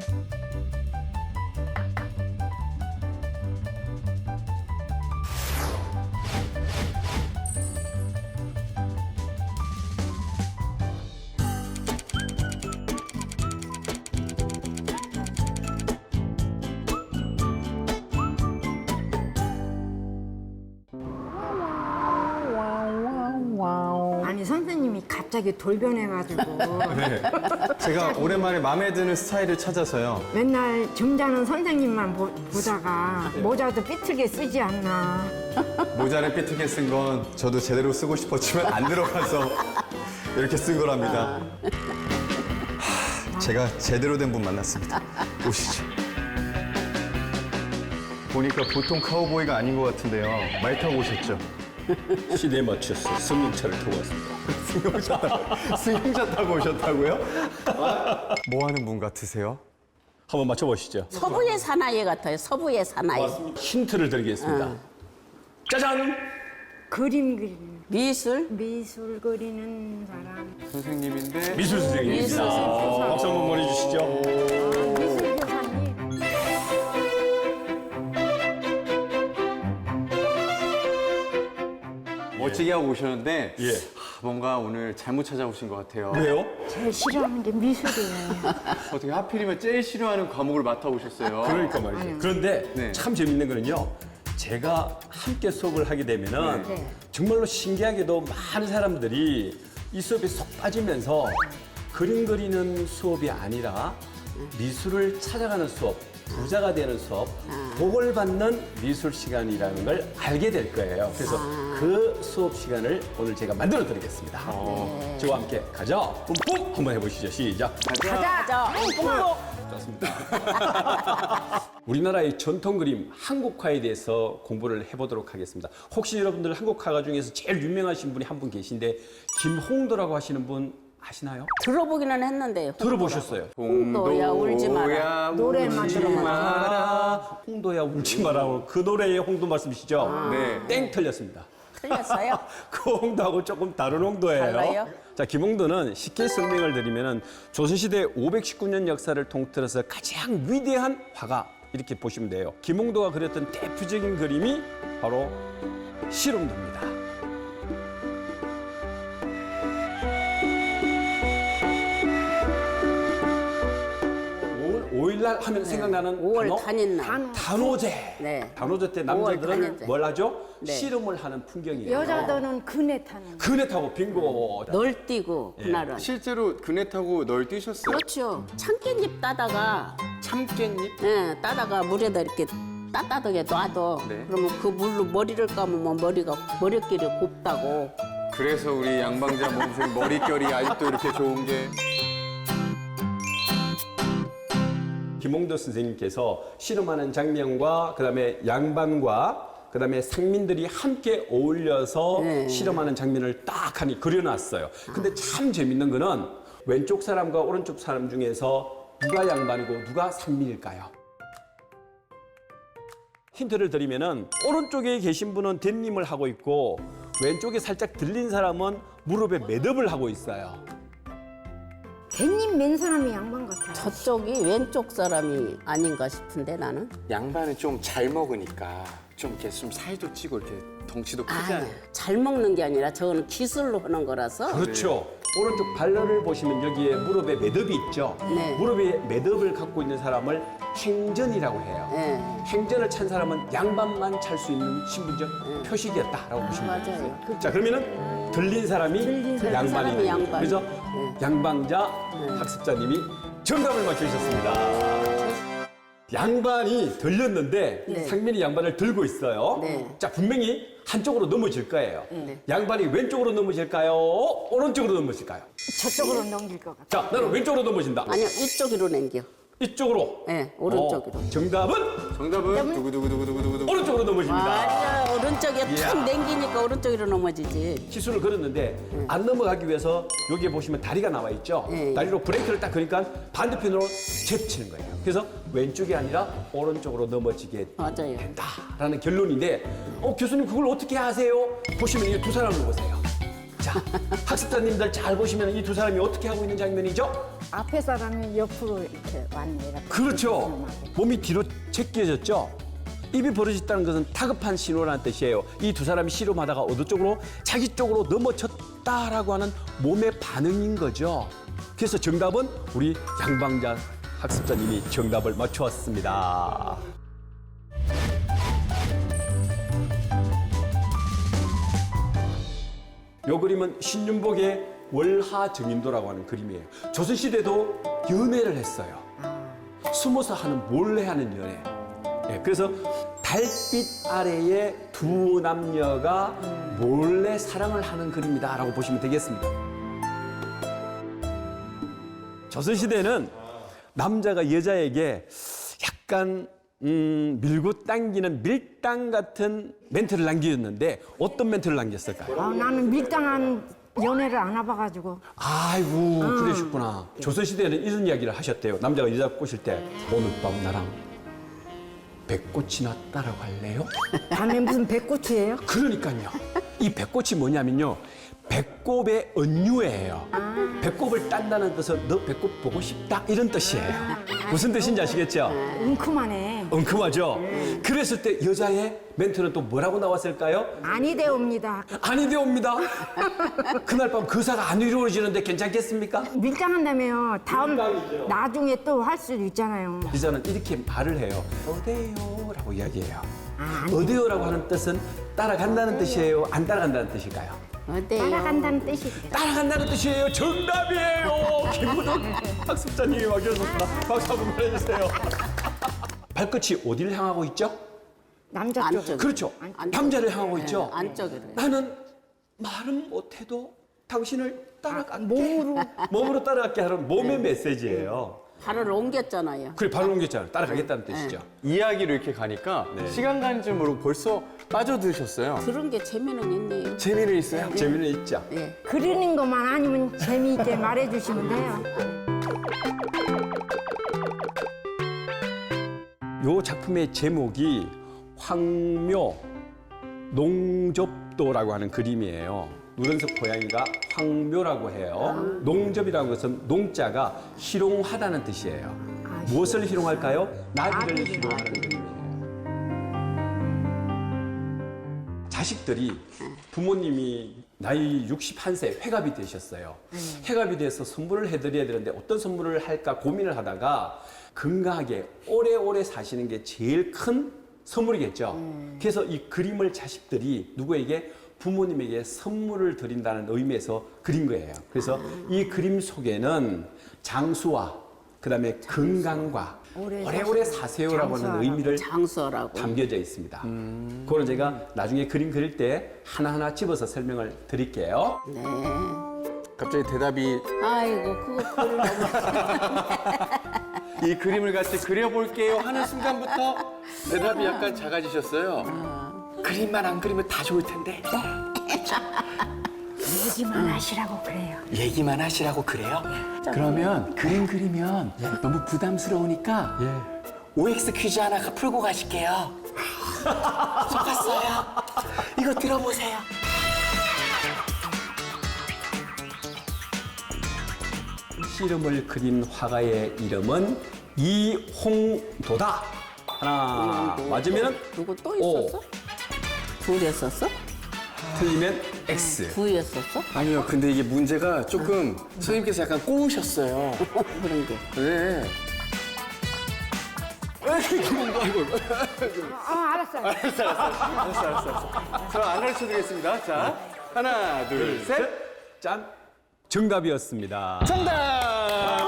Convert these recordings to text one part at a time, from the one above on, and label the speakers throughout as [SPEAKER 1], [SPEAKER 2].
[SPEAKER 1] 아니 선생님이 갑자기 돌변해가지고
[SPEAKER 2] 네. 제가 오랜만에 마음에 드는 스타일을 찾아서요.
[SPEAKER 1] 맨날 점잖은 선생님만 보다가 모자도 삐뚤게 쓰지 않나.
[SPEAKER 2] 모자를 삐뚤게 쓴 건 저도 제대로 쓰고 싶었지만 안 들어가서 이렇게 쓴 거랍니다. 제가 제대로 된 분 만났습니다. 오시죠. 보니까 보통 카우보이가 아닌 것 같은데요. 말 타고 오셨죠?
[SPEAKER 3] 시대에 맞춰서 승용차를 타고 왔습니다.
[SPEAKER 2] 승용차 타고 오셨다고요? 뭐 하는 분 같으세요?
[SPEAKER 3] 한번 맞춰보시죠.
[SPEAKER 4] 서부의 사나이 같아요. 서부의 사나이.
[SPEAKER 3] 힌트를 드리겠습니다. 짜잔!
[SPEAKER 1] 그림 그리는
[SPEAKER 4] 미술.
[SPEAKER 1] 미술 그리는 사람.
[SPEAKER 2] 선생님인데
[SPEAKER 3] 미술 선생님입니다.
[SPEAKER 4] 미술 선생님.
[SPEAKER 3] 박수 한번 보내주시죠.
[SPEAKER 1] 미술 교사님.
[SPEAKER 2] 멋지게 하고 오셨는데
[SPEAKER 3] 예.
[SPEAKER 2] 뭔가 오늘 잘못 찾아오신 것 같아요.
[SPEAKER 3] 왜요?
[SPEAKER 1] 제일 싫어하는 게 미술이에요.
[SPEAKER 2] 어떻게 하필이면 제일 싫어하는 과목을 맡아오셨어요?
[SPEAKER 3] 그러니까 말이죠. 그런데
[SPEAKER 2] 네.
[SPEAKER 3] 참 재밌는 거는요. 제가 함께 수업을 하게 되면은
[SPEAKER 1] 네.
[SPEAKER 3] 정말로 신기하게도 많은 사람들이 이 수업에 쏙 빠지면서 그림 그리는 수업이 아니라 미술을 찾아가는 수업, 부자가 되는 수업, 복을 받는 미술 시간이라는 걸 알게 될 거예요. 그래서 그 수업 시간을 오늘 제가 만들어 드리겠습니다. 저와 함께 가자. 뿜뿜 한번 해보시죠. 시작.
[SPEAKER 4] 가자.
[SPEAKER 3] 좋습니다. 우리나라의 전통 그림 한국화에 대해서 공부를 해보도록 하겠습니다. 혹시 여러분들 한국화가 중에서 제일 유명하신 분이 한 분 계신데 김홍도라고 하시는 분 아시나요?
[SPEAKER 4] 들어보기는 했는데.
[SPEAKER 3] 들어보셨어요?
[SPEAKER 4] 홍도야 울지 마라.
[SPEAKER 1] 노래만 들어만
[SPEAKER 3] 마라. 홍도야 울지 마라. 그 노래의 홍도 말씀이시죠?
[SPEAKER 2] 네.
[SPEAKER 3] 땡 틀렸습니다.
[SPEAKER 4] 틀렸어요?
[SPEAKER 3] 그 홍도하고 조금 다른 홍도예요.
[SPEAKER 4] 달라요?
[SPEAKER 3] 자, 김홍도는 쉽게 설명을 드리면은 조선시대 519년 역사를 통틀어서 가장 위대한 화가 이렇게 보시면 돼요. 김홍도가 그렸던 대표적인 그림이 바로 실험도입니다. 5일날 하면 생각나는
[SPEAKER 4] 5월
[SPEAKER 3] 단어?
[SPEAKER 4] 단인날.
[SPEAKER 3] 단오제.
[SPEAKER 4] 네.
[SPEAKER 3] 단오제 때
[SPEAKER 4] 5월
[SPEAKER 3] 남자들은
[SPEAKER 4] 단오제.
[SPEAKER 3] 뭘 하죠?
[SPEAKER 4] 네.
[SPEAKER 3] 씨름을 하는 풍경이에요.
[SPEAKER 1] 여자들은 그네 타는.
[SPEAKER 3] 그네 타고 빙고.
[SPEAKER 4] 널뛰고 그날은.
[SPEAKER 2] 실제로 그네 타고 널 뛰셨어요?
[SPEAKER 4] 그렇죠. 참깨잎 따다가
[SPEAKER 2] 참깨잎?
[SPEAKER 4] 예, 따다가 물에다 이렇게 따뜻하게 놔둬.
[SPEAKER 2] 네.
[SPEAKER 4] 그러면 그 물로 머리를 감으면 머리끼리 곱다고.
[SPEAKER 2] 그래서 우리 양방자 몸생 머릿결이 아직도 이렇게 좋은 게
[SPEAKER 3] 김홍도 선생님께서 씨름하는 장면과 그다음에 양반과 그다음에 상민들이 함께 어울려서
[SPEAKER 4] 네.
[SPEAKER 3] 씨름하는 장면을 딱 하니 그려놨어요. 근데 참 재밌는 거는 왼쪽 사람과 오른쪽 사람 중에서 누가 양반이고 누가 상민일까요? 힌트를 드리면은 오른쪽에 계신 분은 댄님을 하고 있고 왼쪽에 살짝 들린 사람은 무릎에 매듭을 하고 있어요.
[SPEAKER 1] 대님 맨 사람이 양반 같아요.
[SPEAKER 4] 저쪽이 왼쪽 사람이 아닌가 싶은데 나는.
[SPEAKER 2] 양반은 좀 잘 먹으니까 좀 이렇게 좀 살도 찌고 이렇게 덩치도 크잖아요.
[SPEAKER 4] 잘 먹는 게 아니라 저거는 기술로 하는 거라서.
[SPEAKER 3] 그렇죠. 오른쪽 발열을 보시면 여기에 무릎에 매듭이 있죠.
[SPEAKER 4] 네.
[SPEAKER 3] 무릎에 매듭을 갖고 있는 사람을 행전이라고 해요.
[SPEAKER 4] 네.
[SPEAKER 3] 행전을 찬 사람은 양반만 찰 수 있는 신분적 표식이었다라고 보시면 돼요.
[SPEAKER 4] 맞아요.
[SPEAKER 3] 자, 그러면은 들린 사람이 양반이
[SPEAKER 4] 사람이
[SPEAKER 3] 되는
[SPEAKER 4] 양반.
[SPEAKER 3] 거죠. 그래서 양방자 학습자님이 정답을 맞추셨습니다. 양반이 들렸는데
[SPEAKER 4] 네.
[SPEAKER 3] 상민이 양반을 들고 있어요.
[SPEAKER 4] 네.
[SPEAKER 3] 자, 분명히 한쪽으로 넘어질 거예요.
[SPEAKER 4] 네.
[SPEAKER 3] 양반이 왼쪽으로 넘어질까요? 오른쪽으로 넘어질까요?
[SPEAKER 1] 저쪽으로 넘길 것 같아요.
[SPEAKER 3] 자, 나는 왼쪽으로 넘어진다.
[SPEAKER 4] 아니요, 이쪽으로 남겨.
[SPEAKER 3] 이쪽으로.
[SPEAKER 4] 네, 오른쪽으로.
[SPEAKER 3] 정답은
[SPEAKER 2] 정답은 두구두구두구두구두구.
[SPEAKER 3] 오른쪽으로 넘어집니다.
[SPEAKER 4] 맞아, 오른쪽에 탁 남기니까 오른쪽으로 넘어지지.
[SPEAKER 3] 기술을 걸었는데 안 넘어가기 위해서 여기에 보시면 다리가 나와 있죠.
[SPEAKER 4] 네.
[SPEAKER 3] 다리로 브레이크를 딱 그러니까 반대편으로 제치는 거예요. 그래서 왼쪽이 아니라 오른쪽으로 넘어지게
[SPEAKER 4] 맞아요.
[SPEAKER 3] 된다라는 결론인데 교수님 그걸 어떻게 아세요? 보시면 이 두 사람을 보세요. 자, 학습자님들 잘 보시면 이 두 사람이 어떻게 하고 있는 장면이죠?
[SPEAKER 1] 앞에 사람이 옆으로 이렇게 왔네. 이렇게.
[SPEAKER 3] 그렇죠. 몸이 뒤로 제껴졌죠. 입이 벌어졌다는 것은 다급한 신호라는 뜻이에요. 이 두 사람이 씨름하다가 어느 쪽으로 자기 쪽으로 넘어졌다라고 하는 몸의 반응인 거죠. 그래서 정답은 우리 양방자 학습자님이 정답을 맞추었습니다. 요 그림은 신윤복의 월하정인도라고 하는 그림이에요. 조선시대도 연애를 했어요. 숨어서 하는 몰래 하는 연애. 예, 그래서 달빛 아래에 두 남녀가 몰래 사랑을 하는 그림이다라고 보시면 되겠습니다. 조선시대는 남자가 여자에게 약간 밀고 당기는 밀당 같은 멘트를 남겼는데 어떤 멘트를 남겼을까요?
[SPEAKER 1] 나는 밀당한 연애를 안 해봐가지고.
[SPEAKER 3] 아이고 그러셨구나. 조선시대에는 이런 이야기를 하셨대요. 남자가 여자 꼬실 때 오늘 밤 나랑 배꽃이나 따라갈래요?
[SPEAKER 1] 밤에 무슨 배꽃이에요?
[SPEAKER 3] 그러니까요. 이 배꽃이 뭐냐면요. 배꼽의 은유예요. 배꼽을 딴다는 뜻은 너 배꼽 보고 싶다 이런 뜻이에요. 무슨 뜻인지 아시겠죠?
[SPEAKER 1] 웅큼하네.
[SPEAKER 3] 엉큼하죠? 그랬을 때 여자의 멘트는 또 뭐라고 나왔을까요?
[SPEAKER 1] 아니 되옵니다.
[SPEAKER 3] 아니 되옵니다. 그날 밤 거사가 안 이루어지는데 괜찮겠습니까?
[SPEAKER 1] 밀당한다며 다음
[SPEAKER 3] 밀당이죠.
[SPEAKER 1] 나중에 또 할 수도 있잖아요.
[SPEAKER 3] 여자는 이렇게 말을 해요. 어때요? 라고 이야기해요. 어때요라고 하는 뜻은 따라간다는 뜻이에요? 안 따라간다는 뜻일까요?
[SPEAKER 4] 어때요?
[SPEAKER 1] 따라간다는 뜻이.
[SPEAKER 3] 따라간다는 뜻이에요. 정답이에요. 김문원 학습자님이 맡겨줬습니다. 박수 한번 보내주세요. 발끝이 어디를 향하고 있죠?
[SPEAKER 1] 남자 쪽.
[SPEAKER 4] 안쪽.
[SPEAKER 3] 그렇죠. 남자를 향하고 있죠.
[SPEAKER 4] 안쪽으로.
[SPEAKER 3] 나는 말은 못해도 당신을 따라갈게. 몸으로 따라갈게 하는 몸의 메시지예요.
[SPEAKER 4] 발을 옮겼잖아요.
[SPEAKER 3] 그래, 발을 옮겼잖아요. 따라가겠다는 뜻이죠.
[SPEAKER 2] 이야기로 이렇게 가니까 시간 가는 줄 모르고 벌써 빠져드셨어요.
[SPEAKER 4] 그런 게 재미는 있네요.
[SPEAKER 2] 재미는 있어요?
[SPEAKER 3] 재미는 있죠.
[SPEAKER 4] 예.
[SPEAKER 1] 그리는 것만 아니면 재미있게 말해주시면 돼요.
[SPEAKER 3] 요 작품의 제목이 황묘 농접도라고 하는 그림이에요. 누런석 고양이가 황묘라고 해요. 농접이라는 것은 농자가 희롱하다는 뜻이에요. 무엇을 희롱할까요? 나비를 희롱하는 그림이에요. 자식들이 부모님이 나이 61세 회갑이 되셨어요. 회갑이 돼서 선물을 해드려야 되는데 어떤 선물을 할까 고민을 하다가 건강하게 오래오래 사시는 게 제일 큰 선물이겠죠. 그래서 이 그림을 자식들이 누구에게 부모님에게 선물을 드린다는 의미에서 그린 거예요. 그래서 이 그림 속에는 장수와 그다음에 건강과 오래오래 사세요라고 하는 의미를
[SPEAKER 4] 장수라고.
[SPEAKER 3] 담겨져 있습니다. 그거는 제가 나중에 그림 그릴 때 하나하나 집어서 설명을 드릴게요.
[SPEAKER 4] 네.
[SPEAKER 2] 갑자기 대답이
[SPEAKER 4] 아이고 그거 그리려고.
[SPEAKER 2] 이 그림을 같이 그려볼게요 하는 순간부터 대답이 약간 작아지셨어요. 그림만 안 그리면 다 좋을 텐데
[SPEAKER 1] 얘기만 하시라고 그래요.
[SPEAKER 5] 얘기만 하시라고 그래요? 그러면 그림 그리면 너무 부담스러우니까 OX 퀴즈 하나 풀고 가실게요. 속았어요. 이거 들어보세요.
[SPEAKER 3] 씨름을 그린 화가의 이름은 이홍도다. 하나 맞으면
[SPEAKER 4] 누구 또
[SPEAKER 3] O,
[SPEAKER 4] 있었어? 둘이었었어?
[SPEAKER 3] 틀리면 X.
[SPEAKER 4] 둘이었었어?
[SPEAKER 2] 아니요, 근데 이게 문제가 조금 선생님께서 약간 꼬우셨어요.
[SPEAKER 4] 그런 게.
[SPEAKER 2] 네.
[SPEAKER 1] 알았어요.
[SPEAKER 2] 알았어. 그럼 안 가르쳐드리겠습니다. 자, 하나, 둘, 셋.
[SPEAKER 3] 짠. 정답이었습니다.
[SPEAKER 2] 정답!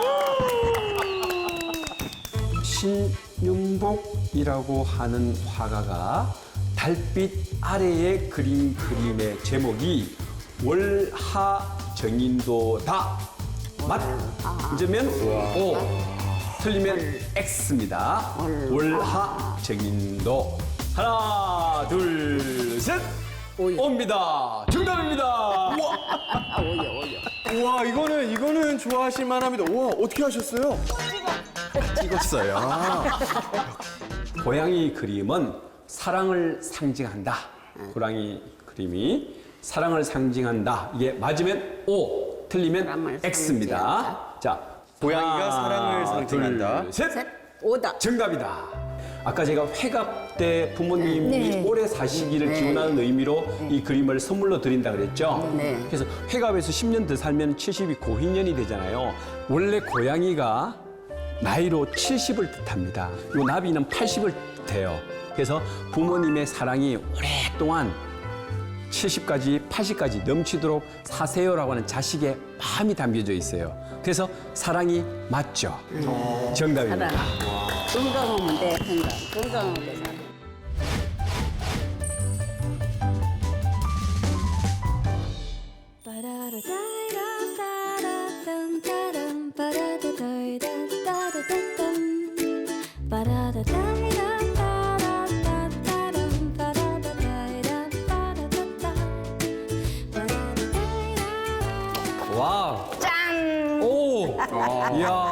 [SPEAKER 3] 신윤복이라고 하는 화가가 달빛 아래에 그린 그림의 제목이 월하정인도다. 맞으면 O, 틀리면 X입니다. 월하정인도. 하나, 둘, 셋. 옵니다. 정답입니다. 우와.
[SPEAKER 4] 오여.
[SPEAKER 2] 우와, 이거는 좋아하실 만합니다. 우와, 어떻게 하셨어요? 찍었어요.
[SPEAKER 3] 고양이 그림은 사랑을 상징한다. 고양이 그림이 사랑을 상징한다. 이게 맞으면 O, 틀리면
[SPEAKER 4] 사랑을
[SPEAKER 3] X입니다.
[SPEAKER 4] 상징한다.
[SPEAKER 3] 자,
[SPEAKER 2] 고양이가
[SPEAKER 3] 하나,
[SPEAKER 2] 사랑을 상징한다.
[SPEAKER 3] 둘, 셋.
[SPEAKER 4] 오다.
[SPEAKER 3] 정답이다. 아까 제가 회갑 때 부모님이
[SPEAKER 1] 네.
[SPEAKER 3] 오래 사시기를 기원하는 의미로 이 그림을 선물로 드린다 그랬죠.
[SPEAKER 4] 네.
[SPEAKER 3] 그래서 회갑에서 10년 더 살면 70이 고인년이 되잖아요. 원래 고양이가 나이로 70을 뜻합니다. 이 나비는 80을 뜻해요. 그래서 부모님의 사랑이 오랫동안 70까지, 80까지 넘치도록 사세요라고 하는 자식의 마음이 담겨져 있어요. 그래서 사랑이 맞죠. 정답입니다.
[SPEAKER 4] 사랑. 건강하면 돼. 건강하게 살아.
[SPEAKER 3] 와.
[SPEAKER 1] 짠!
[SPEAKER 3] 오! 이야.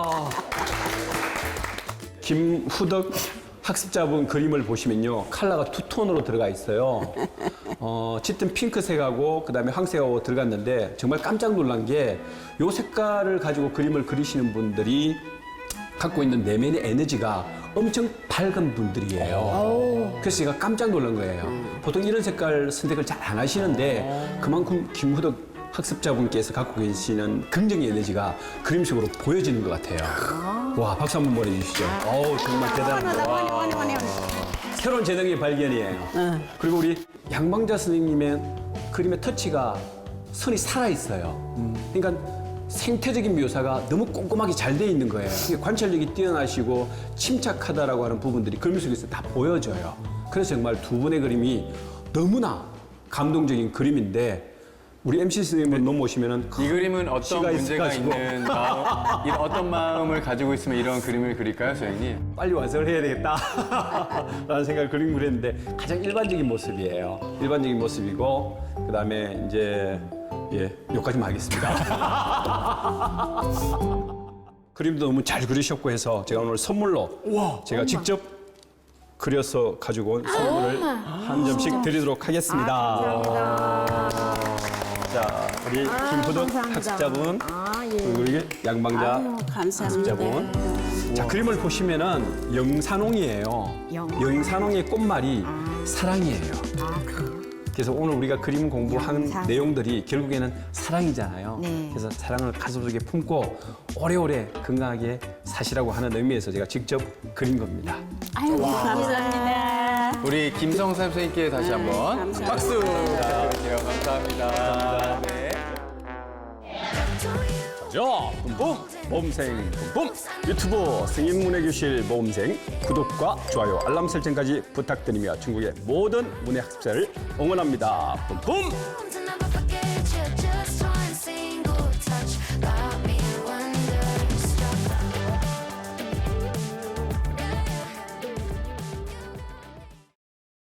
[SPEAKER 3] 김후덕 학습자분 그림을 보시면요. 컬러가 투톤으로 들어가 있어요. 짙은 핑크색하고 그다음에 황색하고 들어갔는데 정말 깜짝 놀란 게 이 색깔을 가지고 그림을 그리시는 분들이 갖고 있는 내면의 에너지가 엄청 밝은 분들이에요. 그래서 제가 깜짝 놀란 거예요. 보통 이런 색깔 선택을 잘 안 하시는데 그만큼 김후덕 학습자분께서 갖고 계시는 긍정의 에너지가 그림 속으로 보여지는 것 같아요. 와, 박수 한번 보내주시죠. 어우, 정말 대단합니다. 새로운 재능의 발견이에요. 그리고 우리 양방자 선생님의 그림의 터치가 선이 살아있어요. 그러니까 생태적인 묘사가 너무 꼼꼼하게 잘 돼 있는 거예요. 이게 관찰력이 뛰어나시고 침착하다라고 하는 부분들이 그림 속에서 다 보여져요. 그래서 정말 두 분의 그림이 너무나 감동적인 그림인데 우리 MC 선생님을 넘어오시면은
[SPEAKER 2] 이 그림은 어떤
[SPEAKER 3] 시가
[SPEAKER 2] 문제가
[SPEAKER 3] 있어가지고.
[SPEAKER 2] 있는 마음, 어떤 마음을 가지고 있으면 이런 그림을 그릴까요, 선생님?
[SPEAKER 3] 빨리 완성을 해야 되겠다 라는 생각을 그림 그렸는데 가장 일반적인 모습이에요. 일반적인 모습이고 그다음에 이제 여기까지만 하겠습니다. 그림도 너무 잘 그리셨고 해서 제가 오늘 선물로 제가 직접 그려서 가지고 온 선물을 한 점씩 드리도록 하겠습니다. 자, 우리 김후덕
[SPEAKER 1] 감사합니다.
[SPEAKER 3] 학습자분
[SPEAKER 1] 예.
[SPEAKER 3] 그리고 우리 양방자
[SPEAKER 4] 아유, 감사합니다.
[SPEAKER 3] 학습자분. 자, 그림을 보시면은 영산홍이에요. 영산홍의 꽃말이 사랑이에요. 그래서 오늘 우리가 그림 공부한
[SPEAKER 1] 영상.
[SPEAKER 3] 내용들이 결국에는 사랑이잖아요.
[SPEAKER 1] 네.
[SPEAKER 3] 그래서 사랑을 가슴속에 품고 오래오래 건강하게 사시라고 하는 의미에서 제가 직접 그린 겁니다.
[SPEAKER 4] 아유, 감사합니다.
[SPEAKER 2] 우리 김성삼 선생님께 다시 한번
[SPEAKER 4] 감사합니다.
[SPEAKER 2] 박수 부탁드릴게요. 감사합니다. 네.
[SPEAKER 3] 자, 뿜뿜 모험생 뿜뿜 유튜브 승인문해교실 모험생 구독과 좋아요 알람 설정까지 부탁드리며 중국의 모든 문해 학습자를 응원합니다. 뿜뿜.